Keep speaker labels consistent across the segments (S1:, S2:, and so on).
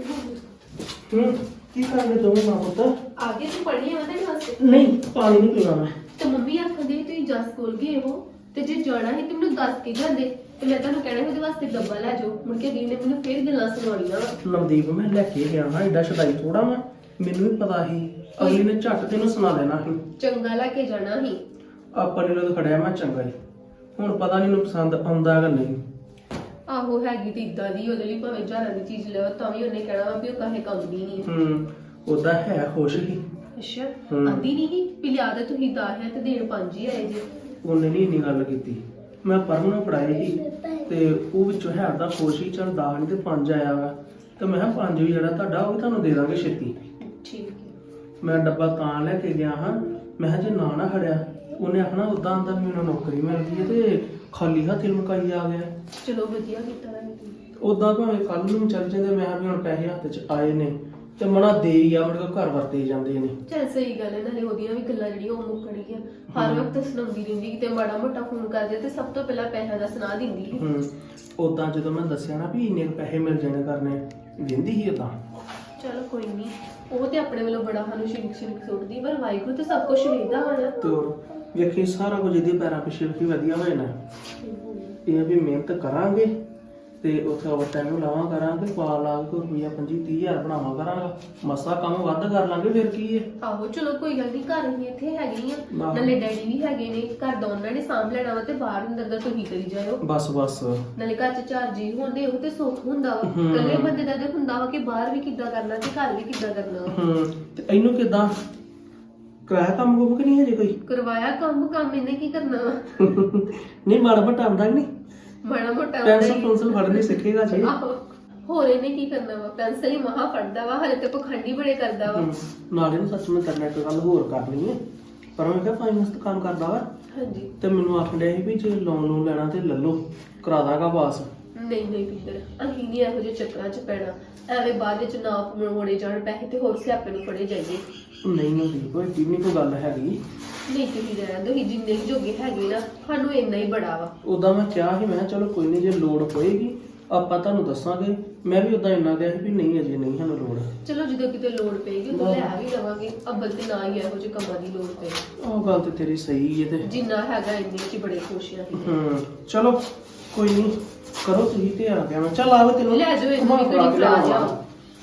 S1: ਕੀ ਕਰਨੇ ਦੋਵੇਂ ਮਾਂ ਪੁੱਤ?
S2: आगे तू पढ़ी है ਉਹਦੇ ਵਾਸਤੇ
S1: ਨਹੀਂ ਪਾਣੀ ਨਹੀਂ ਪੀਣਾ ਮੈਂ।
S2: ਤੇ ਮੰਮੀ ਆਖਦੇ ਤੁਸੀਂ ਜਸ ਕੋਲ ਗਏ ਹੋ ਤੇ ਜੇ ਜਾਣਾ ਹੈ ਤੇ ਮੈਨੂੰ ਦੱਸ ਕੇ ਜਾਂਦੇ ਤੇ ਮੈਂ ਤੁਹਾਨੂੰ ਕਹਿਣਾ ਉਹਦੇ ਵਾਸਤੇ ਡੱਬਾ ਲੈ ਜਾਓ। ਮੁੜ ਕੇ ਦੀਦੀ ਨੇ ਮੈਨੂੰ ਫੇਰ ਗੱਲਾਂ ਸੁਣਾਉਣੀਆਂ।
S1: ਨਵਦੀਪ ਮੈਂ ਲੈ ਕੇ ਗਿਆ ਹਾਂ ਏਡਾ ਛਦਾਈ ਥੋੜਾ ਮੈਂ, ਮੈਨੂੰ ਵੀ ਪਤਾ ਸੀ ਅਗਲੀ ਨੇ ਝੱਟ ਤੈਨੂੰ ਸੁਣਾ ਦੇਣਾ ਸੀ।
S2: ਚੰਗਾ ਲੈ ਕੇ ਜਾਣਾ ਸੀ।
S1: ਆਪਾਂ ਨੇ ਲੋਕ ਖੜਿਆ ਮੈਂ ਚੰਗਾ ਹੀ, ਹੁਣ ਪਤਾ ਨਹੀਂ ਨੂੰ ਪਸੰਦ ਆਉਂਦਾ ਕਿ ਨਹੀਂ।
S2: ਆਹੋ ਹੈਗੀ ਤੇ ਇਦਾਂ ਦੀ ਉਹਦੇ ਲਈ ਭਾਵੇਂ ਹਜ਼ਾਰਾਂ ਦੀ ਚੀਜ਼ ਲਿਓ ਤਾਂ ਵੀ ਉਹਨੇ ਕਹਿਣਾ ਵਾ ਵੀ ਉਹ ਕਾਹੇ ਕੰਮ ਦੀ ਨਹੀਂ।
S1: ਉਹਦਾ ਹੈ ਖੁਸ਼ ਹੀ।
S2: ਅੱਛਾ ਆਂਦੀ ਨਹੀਂ ਸੀ ਵੀ ਲਿਆ ਦੇ ਤੁਸੀਂ 10 ਹੈ ਤੇ ਦੇਣ 5 ਹੀ ਆਏ ਜੇ।
S1: ਉਹਨੇ ਨਹੀਂ ਇੰਨੀ ਗੱਲ ਕੀਤੀ। ਮੈਂ ਪਰਮ ਨੂੰ ਪੜਾਏ ਸੀ ਤੇ ਉਹ ਵਿੱਚੋਂ ਹੈ ਤਾਂ ਖੁਸ਼ ਹੀ, ਚਲ 10 ਨਹੀਂ ਤੇ 5 ਆਇਆ ਵਾ ਤੇ ਮੈਂ ਕਿਹਾ 5 ਵੀ ਜਿਹੜਾ ਤੁਹਾਡਾ ਉਹ ਵੀ ਤੁਹਾਨੂੰ ਦੇ ਦਾਂਗੇ ਛੇਤੀ।
S2: ਠੀਕ ਹੈ।
S1: ਮੈਂ ਡੱਬਾ ਤਾਂ ਲੈ ਕੇ ਗਿਆ ਹਾਂ, ਮੈਂ ਕਿਹਾ ਜੇ ਨਾ ਖੜਿਆ ਉਹਨੇ ਆਖਣਾ ਉਦਾਂ ਦਾ ਮੈਨੂੰ ਨੌਕਰੀ ਮਿਲ ਗਈ ਹੈ ਤੇ ਖਾਲੀ ਹੱਥ ਮੁਕਾਈ ਆ ਗਿਆ।
S2: ਚਲੋ ਵਧੀਆ ਕੀਤਾ ਨਾ ਤੁਸੀਂ।
S1: ਉਦਾਂ ਭਾਵੇਂ ਕੱਲ ਨੂੰ ਚੱਲ ਜਾਂਦੇ, ਮੈਂ ਕਿਹਾ ਵੀ ਹੁਣ ਪੈਸੇ ਹੱਥ 'ਚ ਆਏ ਨੇ ਤੇ ਮਨਾ ਦੇ ਹੀ ਆ, ਮੁੜ ਕੇ ਘਰ ਵਰਤੇ ਜਾਂਦੇ ਨੇ।
S2: ਚੱਲ ਸਹੀ ਗੱਲ ਹੈ, ਨਾਲੇ ਉਹਦੀਆਂ ਵੀ ਗੱਲਾਂ ਜਿਹੜੀਆਂ ਉਹ ਮੁੱਕਣਗੀਆਂ। ਹਰ ਵਕਤ ਸੁਣਾਉਂਦੀ ਰਹਿੰਦੀ ਕਿਤੇ ਮਾੜਾ ਮੋਟਾ ਫੋਨ ਕਰਦੇ ਤੇ ਸਭ ਤੋਂ ਪਹਿਲਾਂ ਪੈਸਿਆਂ ਦਾ ਸੁਣਾ ਦਿੰਦੀ ਸੀ।
S1: ਉਦਾਂ ਜਦੋਂ ਮੈਂ ਦੱਸਿਆ ਨਾ ਵੀ ਇੰਨੇ ਪੈਸੇ ਮਿਲ ਜਾਣੇ ਕਰਨੇ, ਦਿੰਦੀ ਸੀ ਉਦਾਂ।
S2: ਚਲੋ ਕੋਈ ਨਹੀਂ, ਉਹ ਤੇ ਆਪਣੇ ਵੱਲੋਂ ਬੜਾ ਸਾਨੂੰ ਸ਼ਿੰਕ ਸੁੱਟਦੀ, ਪਰ ਵਾਹਿਗੁਰੂ ਤੇ ਸਭ ਕੁਝ ਵੇਖਦਾ ਹੋਣਾ।
S1: ਤੇ ਵੇਖੀ ਸਾਰਾ ਕੁਝ ਇਹਦੇ ਪੈਰਾਂ ਪਿੱਛੇ ਵੀ ਵਧੀਆ ਹੋ ਜਾਣਾ। ਇਹ ਵੀ ਮਿਹਨਤ ਕਰਾਂਗੇ ਤੇ ਉੱਥੇ ਓਵਰ ਟਾਈਮ ਲਾਵਾਂ ਕਰਾਂਗੇ, ਪਾ ਲਾ ਕੇ ਰੁਪਈਆ 25-30 ਹਜ਼ਾਰ ਬਣਾਵਾਂ ਕਰਾਂਗਾ, ਮਸਾ ਕੰਮ ਵੱਧ ਕਰ ਲਾਂਗੇ ਫਿਰ ਕੀ ਹੈ।
S2: ਆਹੋ ਚਲੋ ਕੋਈ ਗੱਲ ਨਹੀਂ, ਘਰ ਹੀ ਇੱਥੇ ਹੈਗੇ ਆ, ਨਾਲੇ ਡੈਡੀ ਵੀ ਹੈਗੇ ਨੇ, ਘਰ ਦਾ ਉਹਨਾਂ ਨੇ ਸਾਂਭ ਲੈਣਾ ਵਾ ਤੇ ਬਾਹਰ ਅੰਦਰ ਦਾ ਤੁਸੀਂ ਕਰੀ ਜਾਇਓ। ਬਸ ਨਾਲੇ ਘਰ 'ਚ 4 ਜੀ ਹੁੰਦੇ ਉਹ ਤੇ ਸੁੱਖ ਹੁੰਦਾ ਵਾ। ਇਕੱਲੇ ਬੰਦੇ ਦਾ ਤੇ ਹੁੰਦਾ ਵਾ ਕਿ ਬਾਹਰ ਵੀ ਕਿੱਦਾਂ ਕਰਨਾ ਤੇ ਘਰ ਵੀ ਕਿੱਦਾਂ ਕਰਨਾ।
S1: ਤੇ ਇਹਨੂੰ ਕਿੱਦਾਂ ਕਰਾਇਆ ਕੰਮ ਕੁਮ ਕਿ ਨਹੀਂ ਹਜੇ ਕੋਈ?
S2: ਕਰਵਾਇਆ ਕੰਮ ਇਹਨੇ ਕੀ ਕਰਨਾ ਵਾ?
S1: ਨਹੀਂ ਮਾੜਾ ਮੋਟਾ ਆਉਂਦਾ ਕਿ ਨਹੀਂ?
S2: ਮਾੜਾ ਮੋਟਾ
S1: ਪੈਨਸਲ ਫੜਨੀ ਸਿੱਖੇਗਾ ਜੀ।
S2: ਹੋਰ ਇਹਨੇ ਕੀ ਕਰਨਾ ਵਾ? ਪੈਨਸਲ ਹੀ ਮਹਾ ਫੜਦਾ ਵਾ, ਹਲੇ ਤੇ ਪਖੰਡੀ ਬੜੇ ਕਰਦਾ ਵਾ।
S1: ਨਾਲੇ ਨੂੰ ਸੱਚ ਮੈਂ ਕਰਨਾ ਇੱਕ ਗੱਲ ਹੋਰ ਕਰਨੀ ਹੈ, ਪਰ ਮੈਂ ਕਿਹਾ ਫਾਈਨੈਂਸ ਦਾ ਕੰਮ ਕਰਦਾ ਵਾ। ਹਾਂਜੀ। ਤੇ ਮੈਨੂੰ ਆਖ ਡਿਆ ਸੀ ਵੀ ਜੇ ਲੋਨ ਲੈਣਾ ਤੇ ਲੈ ਲਓ, ਕਰਾ ਦਾਂਗਾ ਪਾਸ।
S2: ਨਹੀਂ ਪਿੱਤਰ, ਅਸੀਂ ਨਹੀਂ ਇਹੋ ਜਿਹੇ ਚੱਕਰਾਂ 'ਚ ਪੈਣਾ, ਐਵੇਂ ਬਾਅਦ ਵਿੱਚ ਨਾ ਮੋੜੇ ਜਾਣ ਪੈਸੇ ਤੇ ਹੋਰ ਸਿਆਪੇ ਨੂੰ ਫੜੇ ਜਾਈਏ।
S1: ਨਹੀਂ ਕੋਈ ਜਿੰਨੀ ਕੋਈ ਗੱਲ ਹੈਗੀ
S2: ਨਹੀਂ, ਤੁਸੀਂ ਰਹਿਣ ਦਿਓ, ਜਿੰਨੇ ਜੋਗੇ ਹੈਗੇ ਨਾ ਸਾਨੂੰ ਇੰਨਾ ਹੀ ਬੜਾ ਵਾ।
S1: ਉਦਾਂ ਮੈਂ ਕਿਹਾ ਸੀ, ਮੈਂ ਕਿਹਾ ਚਲੋ ਕੋਈ ਨਹੀਂ ਜੇ ਲੋੜ ਪਏਗੀ ਆਪਾਂ ਤੁਹਾਨੂੰ ਦੱਸਾਂਗੇ। ਮੈਂ ਵੀ ਉਦਾਂ ਇੰਨਾ ਕਿਹਾ ਸੀ ਵੀ ਨਹੀਂ ਅਜੇ ਨਹੀਂ ਸਾਨੂੰ ਲੋੜ। ਚਲੋ
S2: ਜਦੋਂ ਕਿਤੇ ਲੋੜ ਪਏਗੀ ਉਦੋਂ ਲੈ ਵੀ ਲਵਾਂਗੇ, ਅੱਬਲ ਤੇ ਨਾ ਹੀ ਇਹੋ ਜਿਹੇ ਕੰਮਾਂ ਦੀ ਲੋੜ ਪਏ।
S1: ਉਹ ਗੱਲ ਤੇ ਤੇਰੀ ਸਹੀ ਹੈ ਤੇ
S2: ਜਿੰਨਾ ਹੈਗਾ ਇੰਨੇ 'ਚ ਬੜੇ ਖੁਸ਼ ਆ।
S1: ਚਲੋ ਕੋਈ ਨਹੀਂ, ਕਰੋ ਤੁਸੀਂ ਤੇ ਆ ਗਿਆ ਮੈਂ। ਚੱਲ ਆਵੇ ਤੈਨੂੰ
S2: ਲੈ ਜਾਓ, ਇਹਨੂੰ ਵੀ ਘੜੀ ਫੜਾ ਜਾ।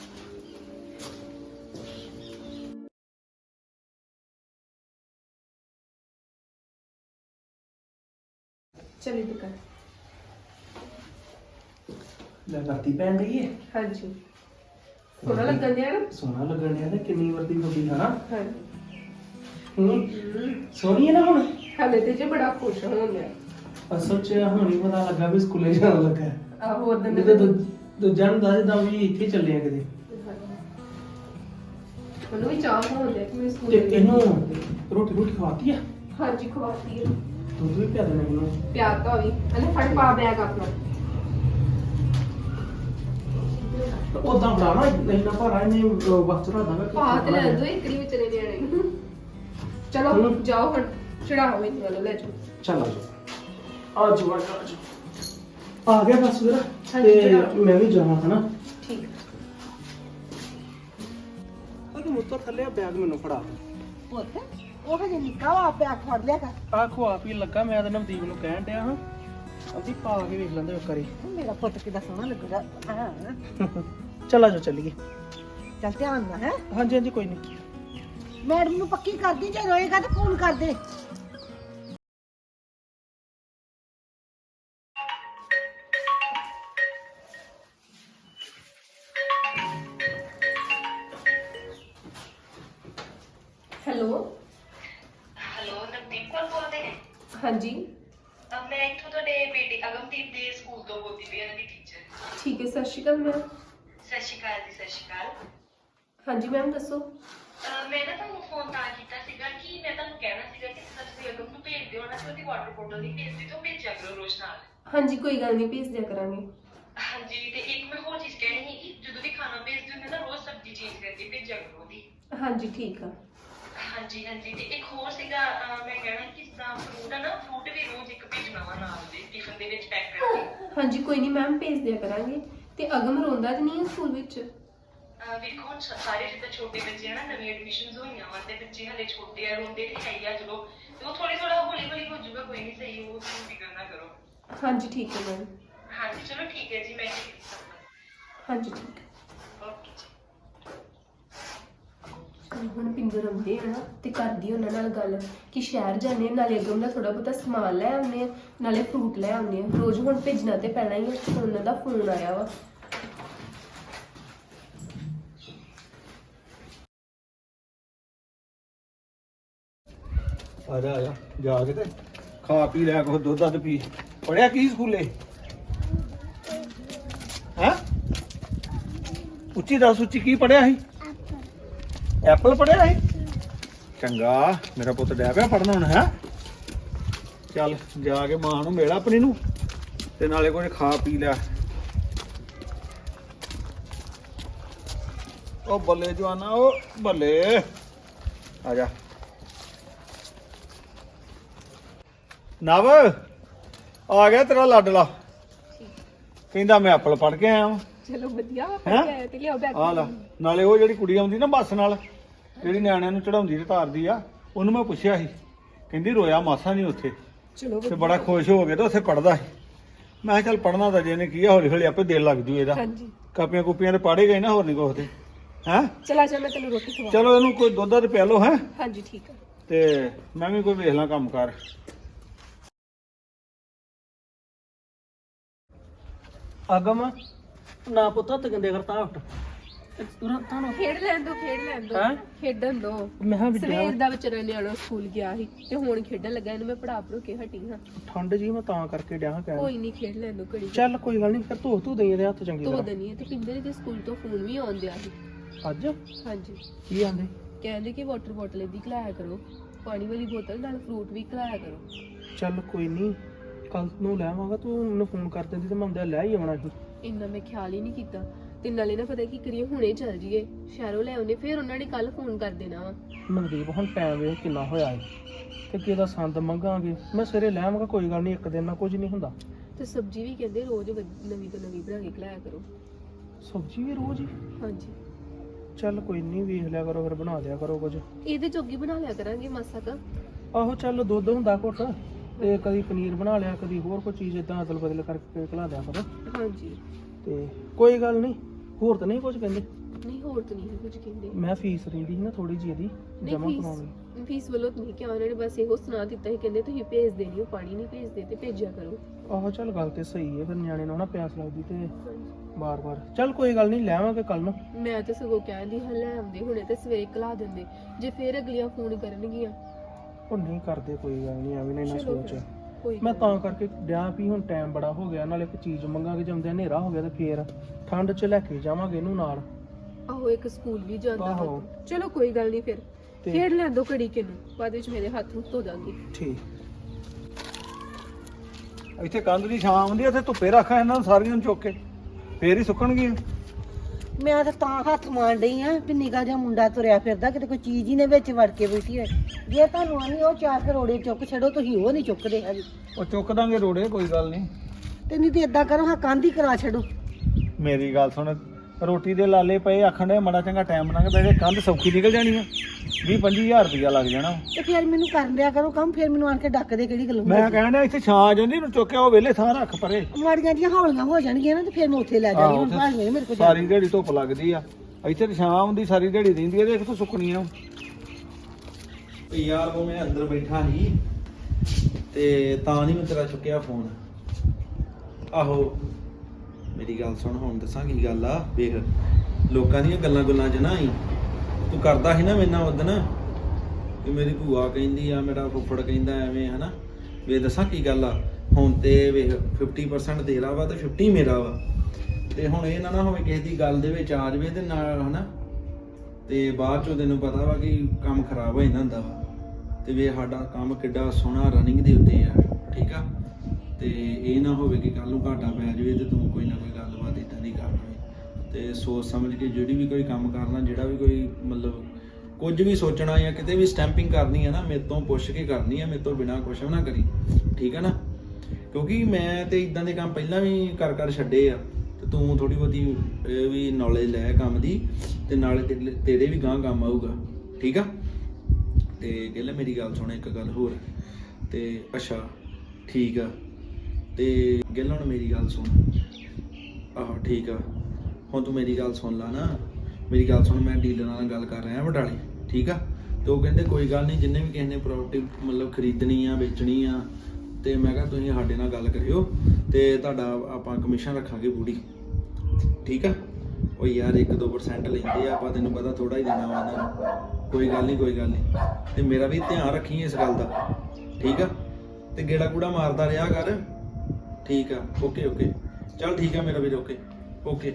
S2: ਚਲੀ ਦੁਕਾਨ
S1: ਲੈ ਕਰਤੀ ਪੈਣ ਰਹੀ ਹੈ।
S2: ਹਾਂਜੀ ਸੋਹਣਾ ਲੱਗਣ ਡਿਆ ਨਾ?
S1: ਸੋਹਣਾ ਲੱਗਣ ਡਿਆ ਤੇ ਕਿੰਨੀ ਵਰਦੀ ਵੱਡੀ ਹੈ ਨਾ।
S2: ਹਾਂਜੀ
S1: ਸੋਹਣੀ ਹੈ ਨਾ ਹੁਣ?
S2: ਹਾਲੇ ਤੇ ਜੇ ਬੜਾ ਖੁਸ਼ ਹੋਣ ਡਿਆ।
S1: ਅਸਲ ਚ ਹੁਣ ਹੀ ਪਤਾ ਲੱਗਾ ਵੀ ਸਕੂਲੇ ਜਾਣ ਲੱਗਾ।
S2: ਆਹੋ ਉਦੋਂ
S1: ਤੇ ਦੂਜਾ ਨੂੰ ਦੱਸਦਾ ਵੀ ਇੱਥੇ ਚੱਲੇ ਆ ਕਿਤੇ।
S2: ਉਹਨੂੰ ਵੀ ਚਾਹ ਹੋਣ ਡਿਆ ਕਿ ਮੈਂ
S1: ਤੇ
S2: ਸਕੂਲੇ
S1: ਇਹਨੂੰ ਰੋਟੀ ਖਵਾਤੀ ਆ?
S2: ਹਾਂਜੀ ਖਵਾਤੀ ਹੈ।
S1: ਦੁੱਧ ਵੀ ਪਿਆ ਦੇਣਾ ਇਹਨੂੰ।
S2: ਪਿਆਰ ਤਾਂ ਵੀ ਇਹਨੇ ਫੜ ਪਾ ਬੈਗ ਆਪਣਾ।
S1: ਉਦਾਂ ਬਣਾਵਾ ਨਹੀਂ ਨਾ ਭਾਰਾ ਇਹਨੇ ਵਕਤ ਰੱਖਦਾ
S2: ਪਾ ਤੇ ਲੈ ਦੋ ਇਕੜੀ ਵਿਚਲੇ ਨਿਆਣੇ। ਚਲੋ ਜਾਓ ਹੁਣ ਚੜਾਓ ਇਹਨੂੰ ਵੱਲ ਲੈ ਜਾਓ।
S1: ਚੱਲ ਆ ਜਾ ਆ ਗਿਆ ਬਸ ਵੀਰ। ਤੇ ਮੈਂ ਵੀ ਜਾਵਾਂ ਹਨਾ।
S2: ਠੀਕ
S1: ਉਹ ਕਿ ਮੁੱਤਰ ਥੱਲੇ ਬੈਗ ਮੈਨੂੰ ਫੜਾ।
S3: ਉਹ ਹਜੇ ਨਿੱਕਾ ਵਾ, ਆਪੇ ਅੱਖ ਫੜ ਲਿਆ ਕਰ।
S1: ਆ ਖਵਾ ਪੀ ਲੱਗਾ, ਮੈਂ ਤਾਂ ਨਵਦੀਪ ਨੂੰ ਕਹਿਣ ਡਿਆ ਹਾਂ ਅਸੀਂ ਪਾ ਕੇ ਵੇਖ ਲੈਂਦੇ ਇੱਕ ਵਾਰੀ।
S3: ਮੇਰਾ ਪੁੱਤ ਕਿੱਦਾਂ ਸੋਹਣਾ ਲੱਗੂਗਾ।
S1: ਚੱਲ ਆਜੋ ਚੱਲੀਏ।
S3: ਚੱਲ ਧਿਆਨ ਨਾਲ ਹੈ।
S1: ਹਾਂਜੀ ਕੋਈ ਨਹੀਂ।
S3: ਮੈਡਮ ਨੂੰ ਪੱਕੀ ਕਰਦੀ, ਜੇ ਰੋਏਗਾ ਤਾਂ ਫੋਨ ਕਰ ਦੇ।
S2: ਹੈਲੋ
S4: ਨਵਦੀਪ ਕੌਰ ਬੋਲਦੇ ਨੇ?
S2: ਹਾਂਜੀ
S4: ਮੈਂ ਇੱਥੋਂ ਤੁਹਾਡੇ ਬੇਟੇ ਅਗਮਦੀਪ ਦੇ ਸਕੂਲ ਤੋਂ ਬੋਲਦੀ ਪਈ ਹਾਂ, ਦੀ ਟੀਚਰ।
S2: ਠੀਕ ਹੈ, ਸਤਿ ਸ਼੍ਰੀ ਅਕਾਲ ਮੈਮ।
S4: ਸਤਿ ਸ਼੍ਰੀ ਅਕਾਲ ਜੀ। ਸਤਿ ਸ਼੍ਰੀ ਅਕਾਲ।
S2: ਹਾਂਜੀ ਮੈਮ ਦੱਸੋ।
S4: ਮੈਂ ਨਾ ਤੁਹਾਨੂੰ ਫੋਨ ਤਾਂ ਕੀਤਾ ਸੀਗਾ ਕਿ ਮੈਂ ਤੁਹਾਨੂੰ ਕਹਿਣਾ ਸੀਗਾ ਕਿ ਤੁਸੀਂ ਅਗਮ ਨੂੰ ਭੇਜ ਦਿਓ ਨਾ, ਤੇ ਉਹਦੀ ਵਾਟਰ ਬੋਟਲ ਨਹੀਂ ਭੇਜਦੀ ਤਾਂ ਭੇਜਿਆ ਕਰੋ ਰੋਜ਼ ਨਾਲ।
S2: ਹਾਂਜੀ ਕੋਈ ਗੱਲ ਨਹੀਂ, ਭੇਜ ਦਿਆ ਕਰਾਂਗੇ।
S4: ਹਾਂਜੀ, ਤੇ ਇੱਕ ਮੈਂ ਹੋਰ ਚੀਜ਼ ਕਹਿਣੀ ਸੀ ਕਿ ਜਦੋਂ ਵੀ ਖਾਣਾ ਭੇਜਦੇ ਹੁੰਦੇ ਨਾ ਰੋਜ਼ ਸਬਜ਼ੀ ਚੇਂਜ ਕਰਕੇ ਭੇਜਿਆ ਕਰੋ ਉਹਦੀ।
S2: ਹਾਂਜੀ ਠੀਕ ਆ।
S4: ਹਾਂਜੀ ਤੇ ਇੱਕ ਹੋਰ ਸੀਗਾ, ਮੈਂ ਕਹਿਣਾ ਕਿ ਜਿੱਦਾਂ ਫਰੂਟ ਆ ਨਾ, ਫਰੂਟ ਵੀ ਰੋਜ਼ ਇੱਕ ਭੇਜਣਾ ਵਾ ਨਾਲ ਦੇ ਟਿਫਨ ਦੇ ਵਿੱਚ ਪੈਕ ਕਰਕੇ।
S2: ਹਾਂਜੀ ਕੋਈ ਨਹੀਂ ਮੈਮ, ਭੇਜ ਦਿਆ ਕਰਾਂਗੇ। ਤੇ ਅਗਮ ਰੋਂਦਾ ਤੇ ਨਹੀਂ ਹੈ ਸਕੂਲ ਵਿੱਚ?
S4: ਵੇਖੋ ਹੁਣ ਸਾਰੇ ਜਿੱਦਾਂ ਛੋਟੇ ਬੱਚੇ ਆ ਨਾ ਨਵੀਂ ਐਡਮਿਸ਼ਨਸ ਹੋਈਆਂ ਵਾ ਤੇ ਬੱਚੇ ਹਲੇ ਛੋਟੇ ਆ ਰੋਂਦੇ ਤੇ ਹੈ ਹੀ ਆ ਚਲੋ ਤੇ ਉਹ ਥੋੜਾ ਹੌਲੀ ਹੌਲੀ ਹੋ ਜਾਊਗਾ ਕੋਈ ਨਹੀਂ ਸਹੀ ਉਹ ਤੁਸੀਂ ਫਿਕਰ ਨਾ ਕਰੋ
S2: ਹਾਂਜੀ ਠੀਕ ਹੈ ਮੈਮ
S4: ਹਾਂਜੀ ਚਲੋ ਠੀਕ ਹੈ ਜੀ ਮੈਂ
S2: ਹਾਂਜੀ ਠੀਕ ਹੈ
S4: ਓਕੇ ਜੀ
S2: ਹੁਣ ਪਿੰਦਰ ਆਉਂਦੇ ਆ ਨਾ ਤੇ ਕਰਦੀ ਉਹਨਾਂ ਨਾਲ ਗੱਲ ਕਿ ਸ਼ਹਿਰ ਜਾਂਦੇ ਆ, ਨਾਲੇ ਅੱਗੋਂ ਦਾ ਥੋੜਾ ਬਹੁਤਾ ਸਮਾਨ ਲੈ ਆਉਂਦੇ ਆ, ਨਾਲੇ ਫਰੂਟ ਲੈ ਆਉਂਦੇ ਆ। ਰੋਜ਼ ਹੁਣ ਭੇਜਣਾ ਤੇ ਪੈਣਾ ਹੀ ਆ, ਉਹਨਾਂ ਦਾ ਫੋਨ ਆਇਆ ਵਾ।
S5: ਆ ਜਾ ਜਾ ਕੇ ਤੇ ਖਾ ਪੀ ਲਿਆ ਕੁਛ ਦੁੱਧ ਦੱਧ ਪੀ ਪੜਿਆ ਕੀ ਸਕੂਲੇ ਹੈ ਉੱਚੀ ਦੱਸ ਉੱਚੀ ਕੀ ਪੜਿਆ ਸੀ ਐਪਲ ਪੜਿਆ ਸੀ ਚੰਗਾ ਮੇਰਾ ਪੁੱਤ ਡੈ ਪਿਆ ਪੜਨਾ ਹੁਣ ਹੈ ਚੱਲ ਜਾ ਕੇ ਮਾਂ ਨੂੰ ਮਿਲ ਆਪਣੀ ਨੂੰ ਤੇ ਨਾਲੇ ਕੁਝ ਖਾ ਪੀ ਲਿਆ ਉਹ ਬੱਲੇ ਜਵਾਨਾ ਉਹ ਬੱਲੇ ਆ ਜਾ ਨਵ ਆ ਗਿਆ ਤੇਰਾ ਲਾਡਲਾ ਕਹਿੰਦਾ ਮੈਂ ਐਪਲ ਪੜ ਕੇ ਆਇਆ ਵਾਂ
S2: ਚਲੋ ਵਧੀਆ
S5: ਹੈਂ?
S2: ਤੇ ਲਿਆਓ ਬੈਗ
S5: ਆ ਲੈ ਨਾਲੇ ਉਹ ਜਿਹੜੀ ਕੁੜੀ ਆਉਂਦੀ ਨਾ ਬੱਸ ਨਾਲ ਜਿਹੜੀ ਨਿਆਣਿਆਂ ਨੂੰ ਚੜਾਉਂਦੀ ਤੇ ਤਾਰਦੀ ਆ ਉਹਨੂੰ ਮੈਂ ਪੁੱਛਿਆ ਸੀ ਕਹਿੰਦੀ ਰੋਇਆ ਮਾਸਾ ਨਹੀਂ ਉੱਥੇ
S2: ਚਲੋ
S5: ਤੇ ਬੜਾ ਖੁਸ਼ ਹੋ ਗਿਆ ਤੇ ਉੱਥੇ ਪੜਦਾ ਸੀ ਮੈਂ ਕਿਹਾ ਚੱਲ ਪੜਨਾ ਤਾਂ ਜੇ ਨੇ ਕੀ ਆ ਹੌਲੀ ਹੌਲੀ ਆਪੇ ਦਿਲ ਲੱਗ ਜੂ ਇਹਦਾ
S2: ਹਾਂਜੀ
S5: ਕਾਪੀਆਂ ਕੁਪੀਆਂ ਤੇ ਪੜ੍ਹੇ ਗਏ ਨਾ ਹੋਰ ਨਹੀਂ ਕੁਛ ਤੇ ਹੈਂ
S2: ਚਲਾ ਜਾ ਮੈਂ ਤੈਨੂੰ ਰੋਟੀ ਖਵਾ
S5: ਚਲੋ ਇਹਨੂੰ ਕੋਈ ਦੁੱਧ ਤੇ ਪਿਆ ਲਓ ਹੈ
S2: ਹਾਂਜੀ ਠੀਕ ਹੈ
S5: ਤੇ ਮੈਂ ਵੀ ਕੋਈ ਵੇਖ ਲਾਂ ਕੰਮ ਕਰ
S1: ਆਗਮ ਨਾ ਪੁੱਤ ਹੱਥ ਗੰਦੇ ਕਰਤਾ ਉੱਠ ਤੁਰੰਤ ਨੂੰ
S2: ਖੇਡ ਲੈਣ ਦੋ
S1: ਹੈਂ?
S2: ਖੇਡਣ ਦੋ
S1: ਮੈਂ ਕਿਹਾ ਵਿੱਦਿਆ
S2: ਸਵੇਰ ਦਾ ਵਿਚਾਰਾ ਨਿਆਣਾ ਸਕੂਲ ਗਿਆ ਸੀ ਤੇ ਹੁਣ ਖੇਡਣ ਲੱਗਾ ਇਹਨੂੰ ਮੈਂ ਪੜਾ ਪੜੋ ਕੇ ਹਟੀ ਹਾਂ
S1: ਠੰਡ ਜੀ ਮੈਂ ਤਾਂ ਕਰਕੇ ਡਿਆ ਕਹਿਣ
S2: ਕੋਈ ਨਹੀਂ ਖੇਡ ਲੈਣ ਦੋ ਘੜੀ
S1: ਚੱਲ ਕੋਈ ਗੱਲ ਨਹੀਂ ਫਿਰ ਧੋ ਤੂੰ ਦੇਈ ਇਹਦੇ ਹੱਥ ਚੰਗੀ
S2: ਧੋ
S1: ਤਰ੍ਹਾਂ
S2: ਦਨੀ ਤੇ ਪਿੰਦਰ ਦੇ ਸਕੂਲ ਤੋਂ ਫੋਨ ਵੀ ਆਉਣ ਦਿਆ ਸੀ
S1: ਅੱਜ
S2: ਹਾਂਜੀ
S1: ਕੀ ਆਂਦੇ
S2: ਕਹਿੰਦੇ ਕਿ ਵਾਟਰ ਬੋਟਲ ਇਹਦੀ ਖਲਾਇਆ ਕਰੋ ਪਾਣੀ ਵਾਲੀ ਬੋਤਲ ਨਾਲ ਫਰੂਟ ਵੀ ਖਲਾਇਆ ਕਰੋ
S1: ਚੱਲ ਕੋਈ ਨਹੀਂ ਕੱਲ ਨੂੰ ਲੈ ਆਵਾਂਗਾ ਤੂੰ ਮੈਨੂੰ ਫੋਨ ਕਰ ਦਿੰਦੀ ਤੇ ਮੈਂ ਹੁੰਦਿਆ ਲੈ ਹੀ ਆਉਣਾ ਸੀ
S2: ਇੰਨਾ ਮੈਂ ਖਿਆਲ ਹੀ ਨਹੀਂ ਕੀਤਾ ਤੇ ਨਾਲੇ ਨਾ ਪਤਾ ਕੀ ਕਰੀਏ ਹੁਣੇ ਚੱਲ ਜੀਏ ਸ਼ਹਿਰੋਂ ਲੈ ਆਉਨੇ ਫਿਰ ਉਹਨਾਂ ਨੇ ਕੱਲ ਫੋਨ ਕਰ ਦੇਣਾ ਵਾ
S1: ਮਨਦੀਪ ਹੁਣ ਟਾਈਮ ਵੇਖ ਕਿੰਨਾ ਹੋਇਆ ਹੈ ਤੇ ਕਿਹਦਾ ਸੰਦ ਮੰਗਾਂਗੇ ਮੈਂ ਸਵੇਰੇ ਲੈ ਆਵਾਂਗਾ ਕੋਈ ਗੱਲ ਨਹੀਂ ਇੱਕ ਦਿਨ ਨਾਲ ਕੁਝ ਨਹੀਂ ਹੁੰਦਾ
S2: ਤੇ ਸਬਜ਼ੀ ਵੀ ਕਹਿੰਦੇ ਰੋਜ਼ ਨਵੀਂ ਤੋਂ ਨਵੀਂ ਬਣਾ ਕੇ ਖਲਾਇਆ ਕਰੋ
S1: ਸਬਜ਼ੀ ਵੀ ਰੋਜ਼ ਹੀ
S2: ਹਾਂਜੀ
S1: ਚੱਲ ਕੋਈ ਨਹੀਂ ਵੇਖ ਲਿਆ ਕਰੋ ਫਿਰ ਬਣਾ ਦਿਆ ਕਰੋ ਕੁਝ
S2: ਇਹਦੇ ਜੋਗੀ ਬਣਾ ਲਿਆ ਕਰਾਂਗੇ ਮਾਸਾ ਕਾ
S1: ਆਹੋ ਚੱਲ ਦੁੱਧ ਹੁੰਦਾ ਘੁੱਟ ਤੇ ਕਦੀ ਪਨੀਰ ਬਣਾ ਲਿਆ ਕਦੀ ਹੋਰ ਕੋਈ ਚੀਜ਼ ਇਦਾਂ ਅਦਲ ਬਦਲ ਕਰਕੇ ਖਿਲਾ ਦਿਆ ਕਰੋ
S2: ਹਾਂਜੀ
S1: ਤੇ ਕੋਈ ਗੱਲ ਨਹੀਂ ਹੋਰ ਤਾਂ ਨਹੀਂ ਕੁਝ ਕਹਿੰਦੇ
S2: ਨਹੀਂ ਹੋਰ ਤਾਂ ਨਹੀਂ ਕੁਝ ਕਹਿੰਦੇ
S1: ਮੈਂ ਫੀਸ ਰਹਿੰਦੀ ਸੀ ਨਾ ਥੋੜੀ ਜਿਹੀ ਇਹਦੀ
S2: ਨਹੀਂ
S1: ਜਮਾ ਕਰਾਉਣੀ
S2: ਫੀਸ ਵੱਲੋਂ ਤਾਂ ਨਹੀਂ ਕਿ ਉਹਨਾਂ ਨੇ ਬਸ ਇਹੋ ਸੁਣਾ ਦਿੱਤਾ ਸੀ ਕਹਿੰਦੇ ਤੁਸੀਂ ਭੇਜ ਦੇਣੀ ਉਹ ਪਾਣੀ ਨਹੀਂ ਭੇਜਦੇ ਤੇ ਭੇਜਿਆ ਕਰੋ
S1: ਆਹੋ ਚੱਲ ਗੱਲ ਤੇ ਸਹੀ ਹੈ ਫਿਰ ਨਿਆਣੇ ਨੂੰ ਨਾ ਪਿਆਸ ਲੱਗਦੀ ਤੇ ਬਾਰ-ਬਾਰ ਚੱਲ ਕੋਈ ਗੱਲ ਨਹੀਂ ਲੈ ਆਵਾਂਗੇ ਕੱਲ ਨੂੰ
S2: ਮੈਂ ਤਾਂ ਸਗੋਂ ਕਹਿੰਦੀ ਹਾਂ ਲੈ ਆਉਂਦੇ ਹੁਣੇ ਤੇ ਸਵੇਰੇ ਕਲਾ ਦਿੰਦੇ ਜੇ ਫੇਰ ਅਗਲੀਆਂ ਫੋਨ ਕਰਨਗੀਆਂ
S1: ਉਹ ਨਹੀਂ ਕਰਦੇ ਕੋਈ ਗੱਲ ਨਹੀਂ ਐਵੇਂ ਨਾ
S2: ਚਲੋ
S1: ਸੋਚ
S2: ਫਿਰ, ਕੋਈ
S1: ਮੈਂ
S2: ਗੱਲ
S1: ਤਾਂ ਕਰਕੇ ਡਿਆ ਵੀ ਹੁਣ ਟਾਈਮ ਬੜਾ ਹੋ ਗਿਆ ਨਾਲੇ ਇੱਕ ਚੀਜ਼ ਮੰਗਾਂਗੇ ਜੰਮਦੇ ਹਨੇਰਾ ਹੋ ਗਿਆ ਤੇ ਫੇਰ ਠੰਡ 'ਚ ਲੈ ਕੇ ਜਾਵਾਂਗੇ ਇਹਨੂੰ ਨਾਲ
S2: ਨੀ। ਆਹੋ ਇੱਕ ਸਕੂਲ ਵੀ ਜਾਂਦਾ ਵਾ।
S1: ਆਹੋ।
S2: ਚਲੋ ਕੋਈ ਗੱਲ ਨਹੀਂ ਫਿਰ
S1: ਤੇ-
S2: ਖੇਡ ਲੈਣ ਦੋ ਘੜੀ ਕਿਨੂੰ ਬਾਅਦ ਵਿੱਚ ਮੇਰੇ ਹੱਥ ਨੂੰ ਧੋ ਦਾਂਗੀ
S1: ਠੀਕ
S5: ਇੱਥੇ ਕੰਧ ਦੀ ਛਾਂ ਆਉਂਦੀ ਇੱਥੇ ਧੁੱਪੇ ਰੱਖਾਂ ਇਹਨਾਂ ਨੂੰ ਸਾਰੀਆਂ ਨੂੰ ਚੁੱਕ ਕੇ ਫੇਰ ਹੀ ਸੁੱਕਣਗੀਆਂ
S3: ਮੈਂ ਤਾਂ ਹੱਥ ਮਾਰ ਡਈ ਆ ਵੀ ਨਿੱਕਾ ਜਿਹਾ ਮੁੰਡਾ ਤੁਰਿਆ ਫਿਰਦਾ ਕਿਤੇ ਕੋਈ ਚੀਜ਼ ਹੀ ਨੇ ਵਿੱਚ ਵੜ ਕੇ ਬੈਠੀ ਹੋਏ ਜੇ ਤੁਹਾਨੂੰ ਆਨੀ ਉਹ 4 ਕਰੋੜੇ ਚੁੱਕ ਛੱਡੋ ਤੁਸੀਂ ਉਹ ਨਹੀਂ ਚੁੱਕਦੇ ਹੈਗੇ
S5: ਉਹ ਚੁੱਕ ਦਾਂਗੇ ਰੋੜੇ ਕੋਈ ਗੱਲ ਨਹੀਂ
S3: ਤੇ ਨਹੀਂ ਤੇ ਇਦਾਂ ਕਰੋ ਹਾਂ ਕੰਧ ਹੀ ਕਰਾ ਛੱਡੋ
S5: ਮੇਰੀ ਗੱਲ ਸੁਣ ਰੋਟੀ ਦੇ ਲਾਲੇ ਪਏ ਆਖਣ ਦੇ ਮਾੜਾ ਚੰਗਾ ਟਾਈਮ ਬਣਾ ਕੇ ਬੈਠੇ ਕੰਧ ਸੌਖੀ ਨਿਕਲ ਜਾਣੀ ਆ 20-25 ਹਜ਼ਾਰ ਲੱਗ ਜਾਣਾ
S3: ਤੇ ਫਿਰ ਮੈਨੂੰ ਕਰਨ ਦਿਆ ਕਰੋ ਕੰਮ ਫਿਰ ਮੈਨੂੰ ਆਣ ਕੇ ਡੱਕ ਦੇ ਕਿਹੜੀ ਗੱਲ
S5: ਮੈਂ ਕਹਿਣ ਡਿਆ ਇੱਥੇ ਛਾਂ ਆ ਜਾਂਦੀ ਨੂੰ ਚੁੱਕਿਆ ਉਹ ਵੇਲੇ ਥਾਂ ਰੱਖ ਪਰੇ
S3: ਮਾੜੀਆਂ ਜੀਆਂ ਹੌਲੀਆਂ ਹੋ ਜਾਣਗੀਆਂ ਨਾ ਤੇ ਫਿਰ ਮੈਂ ਉੱਥੇ ਲੈ ਜਾਣੀ ਹੁਣ ਭਾਵੇਂ ਮੇਰੇ ਕੋਲ
S5: ਸਾਰੀ ਦਿਹਾੜੀ ਧੁੱਪ ਲੱਗਦੀ ਆ ਇੱਥੇ ਤੇ ਛਾਂ ਆਉਂਦੀ ਸਾਰੀ ਦਿਹਾੜੀ ਰਹਿੰਦੀ ਆ ਤੇ ਕਿੱਥੋਂ ਸੁੱਕਣੀ ਆ
S6: ਯਾਰ ਉਹ ਮੈਂ ਅੰਦਰ ਬੈਠਾ ਸੀ ਤੇ ਤਾਂ ਨਹੀਂ ਮੈਂ ਤੇਰਾ ਚੁੱਕਿਆ ਫੋਨ ਆਹੋ ਮੇਰੀ ਗੱਲ ਸੁਣ ਹੁਣ ਦੱਸਾਂ ਕੀ ਗੱਲ ਆ ਵੇਖ ਲੋਕਾਂ ਦੀਆਂ ਗੱਲਾਂ ਚ ਨਾ ਆਈ ਤੂੰ ਕਰਦਾ ਸੀ ਨਾ ਮੇਰੇ ਨਾਲ ਉਦਣ ਕਿ ਮੇਰੀ ਭੂਆ ਕਹਿੰਦੀ ਆ ਮੇਰਾ ਫੁੱਫੜ ਕਹਿੰਦਾ ਐਵੇਂ ਹਨਾ ਵੇ ਦੱਸਾਂ ਕੀ ਗੱਲ ਆ ਹੁਣ ਤੇ ਵੇਖ 50% ਤੇਰਾ ਵਾ ਤੇ 50 ਮੇਰਾ ਵਾ ਤੇ ਹੁਣ ਇਹ ਨਾ ਹੋਵੇ ਕਿਸੇ ਦੀ ਗੱਲ ਦੇ ਵਿੱਚ ਆ ਜਾਵੇ ਤੇ ਨਾਲ ਹਨਾ ਤੇ ਬਾਅਦ ਚੋਂ ਤੈਨੂੰ ਪਤਾ ਵਾ ਕਿ ਕੰਮ ਖਰਾਬ ਹੋ ਜਾਂਦਾ ਹੁੰਦਾ ਵਾ ਤੇ ਵੇ ਸਾਡਾ ਕੰਮ ਕਿੱਡਾ ਸੋਹਣਾ ਰਨਿੰਗ ਦੇ ਉੱਤੇ ਆ ਠੀਕ ਆ ਤੇ ਇਹ ਨਾ ਹੋਵੇ ਕਿ ਕੱਲ ਨੂੰ ਘਾਟਾ ਪੈ ਜਾਵੇ ਤੇ ਤੂੰ ਕੋਈ ਨਾ ਕੋਈ ਗੱਲਬਾਤ ਇਦਾਂ ਦੀ ਕਰ ਲਵੇਂ ਤੇ ਸੋਚ ਸਮਝ ਕੇ ਜਿਹੜੀ ਵੀ ਕੋਈ ਕੰਮ ਕਰਨਾ ਜਿਹੜਾ ਵੀ ਕੋਈ ਮਤਲਬ ਕੁਝ ਵੀ ਸੋਚਣਾ ਜਾਂ ਕਿਤੇ ਵੀ ਸਟੈਂਪਿੰਗ ਕਰਨੀ ਹੈ ਨਾ ਮੇਰੇ ਤੋਂ ਪੁੱਛ ਕੇ ਕਰਨੀ ਹੈ ਮੇਰੇ ਤੋਂ ਬਿਨਾਂ ਕੁਛ ਨਾ ਕਰੀ ਠੀਕ ਹੈ ਨਾ ਕਿਉਂਕਿ ਮੈਂ ਤੇ ਇਦਾਂ ਦੇ ਕੰਮ ਪਹਿਲਾਂ ਵੀ ਕਰ ਛੱਡੇ ਆ ਤੇ ਤੂੰ ਥੋੜੀ ਬਹੁਤੀ ਇਹ ਵੀ ਨੌਲੇਜ ਲੈ ਕੰਮ ਦੀ, ਤੇ ਨਾਲੇ ਤੇਰੇ ਵੀ ਗਾਂ ਕੰਮ ਆਊਗਾ, ਠੀਕ ਆ। ਤੇ ਗਿੱਲ ਮੇਰੀ ਗੱਲ ਸੁਣ ਇੱਕ ਗੱਲ ਹੋਰ, ਤੇ ਅੱਛਾ ਠੀਕ ਆ, ਤੇ ਗਿੱਲ ਹੁਣ ਮੇਰੀ ਗੱਲ ਸੁਣ, ਆਹੋ ਠੀਕ ਆ, ਹੁਣ ਤੂੰ ਮੇਰੀ ਗੱਲ ਸੁਣ ਲਾ ਨਾ, ਮੇਰੀ ਗੱਲ ਸੁਣ, ਮੈਂ ਡੀਲਰਾਂ ਨਾਲ ਗੱਲ ਕਰ ਰਿਹਾ ਬਟਾਲੇ, ਠੀਕ ਆ। ਤੇ ਉਹ ਕਹਿੰਦੇ ਕੋਈ ਗੱਲ ਨਹੀਂ, ਜਿੰਨੇ ਵੀ ਕਿਸੇ ਨੇ ਪ੍ਰੋਪਰਟੀ ਮਤਲਬ ਖਰੀਦਣੀ ਆ ਵੇਚਣੀ ਆ, ਤੇ ਮੈਂ ਕਿਹਾ ਤੁਸੀਂ ਸਾਡੇ ਨਾਲ ਗੱਲ ਕਰਿਓ ਤੇ ਤੁਹਾਡਾ ਆਪਾਂ ਕਮਿਸ਼ਨ ਰੱਖਾਂਗੇ ਪੂਰੀ, ਠੀਕ ਆ। ਉਹ ਯਾਰ 1-2% ਲੈਂਦੇ ਆ, ਆਪਾਂ ਤੈਨੂੰ ਪਤਾ ਥੋੜਾ ਹੀ ਦੇਣਾ ਵਾ ਇਹਨਾਂ ਨੂੰ, ਕੋਈ ਗੱਲ ਨਹੀਂ ਕੋਈ ਗੱਲ ਨਹੀਂ। ਤੇ ਮੇਰਾ ਵੀ ਧਿਆਨ ਰੱਖੀ ਇਸ ਗੱਲ ਦਾ, ਠੀਕ ਆ। ਤੇ ਗੇੜਾ ਕੂੜਾ ਮਾਰਦਾ ਰਿਹਾ ਕਰ, ਠੀਕ ਆ। ਓਕੇ ਓਕੇ ਚੱਲ ਠੀਕ ਆ ਮੇਰਾ ਵੀਰ, ਓਕੇ ਓਕੇ।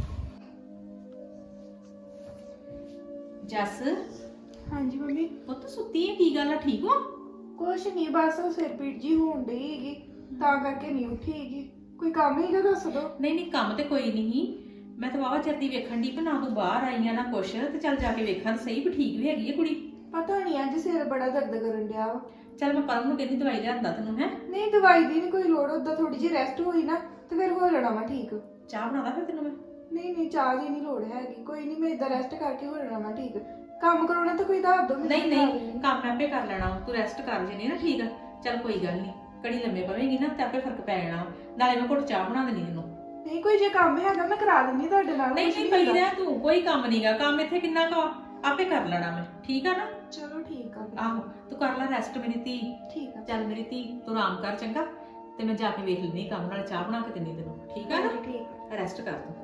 S7: ਜੱਸ
S8: ਹਾਂਜੀ ਮੰਮੀ,
S7: ਪੁੱਤ ਸੁੱਤੀ ਹੈ, ਕੀ ਗੱਲ ਆ, ਠੀਕ ਹੋ?
S8: ਕੁਛ ਨਹੀਂ, ਬਸ ਉਹ ਸਿਰ ਪੀੜ ਜੀ ਹੋਣ ਡਈ ਹੈਗੀ, ਤਾਂ ਕਰਕੇ ਨਹੀਂ ਉੱਠੀ ਹੈਗੀ। ਕੋਈ ਕੰਮ ਹੀਗਾ ਦੱਸ ਦੋ।
S7: ਨਹੀਂ ਨਹੀਂ ਕੰਮ ਤੇ ਕੋਈ ਨਹੀਂ, ਮੈਂ ਤਾਂ ਵਾਵਾ ਚਿਰ ਦੀ ਵੇਖਣ ਦੀ ਕਿ ਨਾ ਤੂੰ ਬਾਹਰ ਆਈਆਂ ਨਾ ਕੁਛ, ਤੇ ਚੱਲ ਜਾ ਕੇ ਵੇਖਾਂ ਤਾਂ ਸਹੀ ਵੀ ਠੀਕ ਵੀ ਹੈਗੀ ਹੈ ਕੁੜੀ।
S8: ਪਤਾ ਨਹੀਂ ਅੱਜ ਸਿਰ ਬੜਾ ਦਰਦ ਕਰਨ ਡਿਆ ਵਾ।
S7: ਚੱਲ ਮੈਂ ਪਰਮ ਨੂੰ ਕਹਿੰਦੀ ਦਵਾਈ ਲਿਆਂਦਾ ਤੈਨੂੰ, ਹੈ
S8: ਨਹੀਂ ਦਵਾਈ ਦੀ ਨਹੀਂ ਕੋਈ ਲੋੜ, ਉਦਾਂ ਥੋੜੀ ਜਿਹੀ ਰੈਸਟ ਹੋਈ ਨਾ ਤੇ ਫਿਰ ਹੋ ਜਾਣਾ ਵਾ ਠੀਕ।
S7: ਚਾਹ ਬਣਾਦਾ ਫਿਰ ਤੈਨੂੰ ਮੈਂ?
S8: ਨਹੀਂ ਨਹੀਂ ਚਾਹ ਦੀ ਨਹੀਂ ਲੋੜ ਹੈਗੀ, ਕੋਈ ਨਹੀਂ, ਮੈਂ ਇਦਾਂ ਰੈਸਟ ਕਰਕੇ ਹੋ ਜਾਣਾ ਵਾ ਠੀਕ। ਕੰਮ ਕਰਾਉਣਾ ਤਾਂ ਕੋਈ ਦੱਸ ਦੋ ਮੈਨੂੰ।
S7: ਨਹੀਂ ਨਹੀਂ ਕੰਮ ਮੈਂ ਆਪੇ ਕਰ ਲੈਣਾ, ਤੂੰ ਰੈਸਟ ਕਰ ਜਣੀ ਨਾ, ਠੀਕ ਆ। ਚੱਲ ਕੋਈ ਗੱਲ ਨਹੀਂ, ਘੜੀ ਲੰਮੇ ਪਵੇਂਗੀ ਨਾ ਤੇ ਆਪੇ ਫਰਕ ਪੈ ਜਾਣਾ, ਨਾਲੇ ਮੈਂ ਘੁੱਟ ਚਾਹ ਬਣਾ ਦੇਣੀ ਤੈਨੂੰ।
S8: ਨਹੀਂ ਕੋਈ ਜੇ ਕੰਮ ਹੈਗਾ ਮੈਂ ਕਰਾ ਦਿੰਦੀ ਤੁਹਾਡੇ ਨਾਲ।
S7: ਨਹੀਂ ਨਹੀਂ ਪਈ ਰਹਿ ਤੂੰ, ਕੋਈ ਕੰਮ ਨਹੀਂਗਾ, ਕੰਮ ਇੱਥੇ ਕਿੰਨਾ ਕੁ ਆ, ਆਪੇ ਕਰ ਲੈਣਾ ਮੈਂ, ਠੀਕ ਆ ਨਾ।
S8: ਚਲੋ ਠੀਕ ਆ ਫਿਰ।
S7: ਆਹੋ ਤੂੰ ਕਰ ਲੈ ਰੈਸਟ ਮੇਰੀ ਧੀ।
S8: ਠੀਕ ਆ
S7: ਚੱਲ ਮੇਰੀ ਧੀ ਤੂੰ ਆਰਾਮ ਕਰ ਚੰਗਾ, ਤੇ ਮੈਂ ਜਾ ਕੇ ਵੇਖ ਲੈਂਦੀ ਕੰਮ, ਨਾਲ ਚਾਹ ਬਣਾ ਕੇ ਦਿੰਦੀ ਤੈਨੂੰ, ਠੀਕ ਆ ਨਾ।
S8: ਠੀਕ
S7: ਰੈਸਟ ਕਰ ਤੂੰ।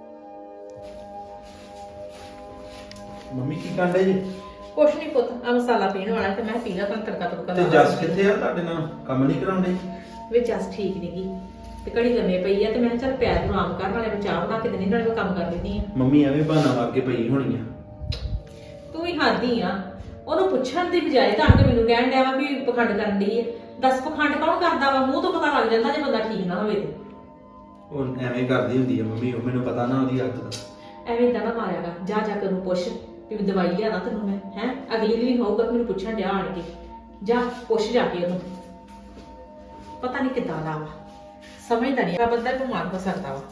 S6: ਮੰਮੀ ਕੀ ਕਰਦੇ ਜੀ?
S7: ਕੁਛ ਨਹੀਂ ਪੁੱਤ, ਆ ਮਸਾਲਾ ਪੀਣ ਵਾਲਾ ਤੇ ਮੈਂ ਪੀਣਾ ਤਾਂ ਤੜਕਾ ਤੁੜਕਾ
S6: ਤੇ
S7: ਲਾ
S6: ਜੱਸ ਕਿੱਥੇ ਆ? ਤੁਹਾਡੇ ਨਾਲ ਕੰਮ ਨਹੀਂ ਕਰਾਉਂਦੇ?
S7: ਵੇ ਜੱਸ ਠੀਕ ਨਹੀਂਗੀ ਤੇ ਘੜੀ ਲੰਮੇ ਪਈ ਆ, ਤੇ ਮੈਂ ਕਿਹਾ ਚੱਲ ਪੈਰ ਨੂੰ ਆਰਾਮ ਕਰ, ਨਾਲੇ ਮੈਂ ਚਾਹ ਬਣਾ ਕੇ ਦਿੰਦੀ, ਨਾਲੇ ਮੈਂ ਕੰਮ ਕਰ ਲੈਂਦੀ ਆ।
S6: ਮੰਮੀ ਐਵੇਂ ਬਹਾਨਾ ਮਾਰ ਕੇ ਪਈ ਹੋਣੀ ਆ।
S7: ਤੂੰ ਹੀ ਹਾਦੀ ਆ, ਉਹਨੂੰ ਪੁੱਛਣ ਦੀ ਬਜਾਏ ਤਾਂ ਆ ਕੇ ਮੈਨੂੰ ਕਹਿਣ ਡਿਆ ਵਾ ਵੀ ਪਖੰਡ ਕਰਨ ਦੀ ਹੈ। ਦੱਸ ਪਖੰਡ ਕੌਣ ਕਰਦਾ ਵਾ? ਮੂੰਹ ਤੋਂ ਪਤਾ ਲੱਗ ਜਾਂਦਾ ਜੇ ਬੰਦਾ ਠੀਕ ਨਾ ਹੋਵੇ ਤੇ।
S6: ਉਹ ਐਵੇਂ ਕਰਦੀ ਹੁੰਦੀ ਆ ਮੰਮੀ, ਉਹ ਮੈਨੂੰ ਪਤਾ ਨਾ ਉਹਦੀ ਆਦਤ ਦਾ।
S7: ਐਵੇਂ ਇਦਾਂ ਨਾ ਮਾਰਿਆਗਾ, ਜਾ ਜਾ ਕੇ ਉਹਨੂੰ ਪੁੱਛ ਵੀ ਦਵਾਈ ਲਿਆਦਾ ਤੈਨੂੰ ਮੈਂ, ਹੈ ਅਗਲੀ ਦਿਨ ਹੋਊਗਾ ਮੈਨੂੰ ਪੁੱਛਣ ਡਿਆ ਆਣ ਕੇ, ਜਾ ਪੁੱਛ ਜਾ ਕੇ ਉਹਨੂੰ। ਪਤਾ ਨਹੀਂ ਕਿੱਦਾਂ ਦਾ ਵਾ, ਸਮਝਦਾ ਨਹੀਂ ਆ ਬੰਦਾ, ਬਿਮਾਰ ਹੋ ਸਕਦਾ ਵਾ।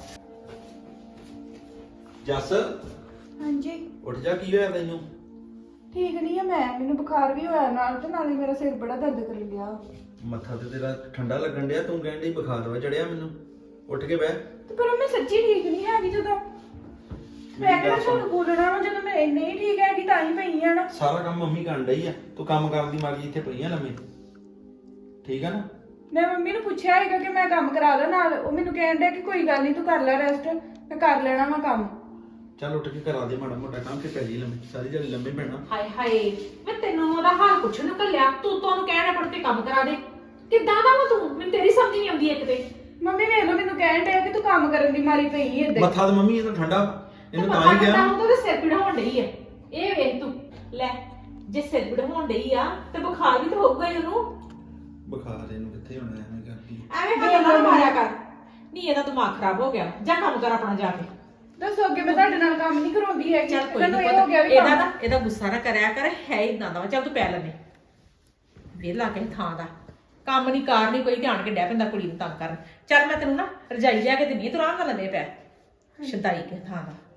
S6: ਜੱਸ
S8: ਹਾਂਜੀ
S6: ਉੱਠ ਜਾ, ਕੀ ਹੋਇਆ ਤੈਨੂੰ?
S8: ਠੀਕ ਨਹੀਂ ਆ ਮੈਂ, ਮੈਨੂੰ ਬੁਖਾਰ ਵੀ ਹੋਇਆ ਨਾਲ, ਤੇ ਨਾਲੇ ਮੇਰਾ ਸਿਰ ਬੜਾ ਦਰਦ ਕਰਨ ਡਿਆ।
S6: ਮੱਥਾ ਤੇ ਤੇਰਾ ਠੰਡਾ ਲੱਗਣ ਡਿਆ, ਤੂੰ ਕਹਿਣ ਡਈ ਬੁਖਾਰ ਵਾ ਚੜਿਆ ਮੈਨੂੰ। ਉੱਠ ਕੇ ਬਹਿ।
S8: ਤੇ ਪਰ ਮੈਂ ਸੱਚੀ ਠੀਕ ਨਹੀਂ ਹੈਗੀ, ਜਦੋਂ ਮੈਂ ਕਿਹਾ ਤੁਹਾਨੂੰ ਬੋਲਣਾ ਵਾ, ਜਦੋਂ ਮੈਂ ਨਹੀਂ ਠੀਕ ਹੈਗੀ ਤਾਂ ਹੀ ਪਈ ਆ ਨਾ।
S6: ਸਾਰਾ ਕੰਮ ਮੰਮੀ ਕਰਨ ਡਈ ਆ, ਤੂੰ ਕੰਮ ਕਰਨ ਦੀ ਮਰਜ਼ੀ ਇੱਥੇ ਪਈ ਆ ਲੰਮੇ, ਠੀਕ ਆ ਨਾ।
S8: ਮੈਂ ਮੰਮੀ ਨੂੰ ਪੁੱਛਿਆ ਹੈਗਾ ਕਿ ਮੈਂ ਕੰਮ ਕਰਾ ਦਾਂ ਨਾਲ, ਉਹ ਮੈਨੂੰ ਕਹਿਣ ਡਿਆ ਕਿ ਕੋਈ ਗੱਲ ਨਹੀਂ ਤੂੰ ਕਰ ਲੈ ਰੈਸਟ, ਮੈਂ ਕਰ ਲੈਣਾ ਵਾ ਕੰਮ।
S6: ਚੱਲ ਉੱਠ ਕੇ ਕਰਾ ਦੇ ਮਾੜਾ ਮੋਟਾ ਕੰਮ, ਤੇ ਪੈ ਜੀ ਲੰਮੇ, ਸਾਰੀ ਦਿਹਾੜੀ ਲੰਮੇ ਪੈਣਾ।
S7: ਹਾਏ ਹਾਏ, ਮੈਂ ਤੈਨੂੰ ਉਹਦਾ ਹਾਲ ਪੁੱਛਣ ਨੂੰ ਕੱਲਿਆ, ਤੂੰ ਤੁਹਾਨੂੰ ਕਹਿਣਾ ਪੜ ਕੇ ਕੰਮ ਕਰਾ ਦੇ। ਕਿੱਦਾਂ ਦਾ ਵਾ ਤੂੰ? ਮੈਨੂੰ ਤੇਰੀ ਸਮਝ ਨਹੀਂ ਆਉਂਦੀ ਇੱਕ ਤੇ।
S8: ਮੰਮੀ ਵੇਖ ਲਓ, ਮੈਨੂੰ ਕਹਿਣ ਡਿਆ ਕਿ ਤੂੰ ਕੰਮ ਕਰਨ ਦੀ ਮਾਰੀ ਪਈ ਏਦਾਂ ਹੀ।
S6: ਮੱਥਾ ਤੇ ਮੰਮੀ ਇਹ ਤਾਂ ਠੰਡਾ, ਇਹਨੂੰ ਤਾਂ ਹੀ
S7: ਤਾਂ
S6: ਕਿਹਾ।
S7: ਉਹਦੇ ਸਿਰ ਪੀੜ ਹੋਣ ਡਈ ਹੈ, ਇਹ ਵੇਖ ਤੂੰ ਲੈ, ਜੇ ਸਿਰ ਪੀੜ ਹੋਣ ਡਈ ਆ ਤੇ ਬੁਖਾਰ ਵੀ ਤਾਂ ਹੋਊਗਾ ਹੀ ਉਹਨੂੰ।
S6: ਬੁਖਾਰ ਇਹਨੂੰ ਕਿੱਥੇ ਹੋਣਾ ਐਵੇਂ ਕਰਦੀ।
S7: ਐਵੇਂ ਬਹਾਨਾ ਨਾ ਮਾਰਿਆ ਕਰ, ਨਹੀਂ ਇਹਦਾ ਦਿਮਾਗ ਖਰਾਬ ਹੋ ਗਿਆ, ਜਾ ਕੰਮ ਕਰ ਆਪਣਾ ਜਾ ਕੇ।
S8: ਦੱਸੋ ਅੱਗੇ ਮੈਂ ਤੁਹਾਡੇ ਨਾਲ ਕੰਮ ਨਹੀਂ ਕਰਾਉਂਦੀ ਹੈਗੀ।
S7: ਚੱਲ ਕੋਈ
S8: ਮੈਨੂੰ
S7: ਨਹੀਂ,
S8: ਇਹ ਹੋ ਗਿਆ ਵੀ
S7: ਇਹਦਾ
S8: ਕੰਮ।
S7: ਨਾ ਇਹਦਾ ਗੁੱਸਾ ਨਾ ਕਰਿਆ ਕਰ, ਹੈ ਇਦਾਂ ਦਾ ਵਾ। ਚੱਲ ਤੂੰ ਪੈ ਲੈਨੇ, ਵਿਹਲਾ ਕੇ ਥਾਂ ਦਾ ਕੰਮ ਨਹੀਂ ਕਾਰ ਨਹੀਂ ਕੋਈ, ਧਿਆਨ ਕੇ ਡੈ ਪੈਂਦਾ ਕੁੜੀ ਨੂੰ ਤੰਗ ਕਰਨ। ਚੱਲ ਮੈਂ ਤੈਨੂੰ ਨਾ ਰਜਾਈ ਲਿਆ ਕੇ ਦਿੰਨੀ ਆ, ਤੂੰ ਆਰਾਮ ਨਾਲ ਲੰਮੇ ਪੈ, ਸ਼ਦਾਈ ਕੇ ਥਾਂ ਦਾ।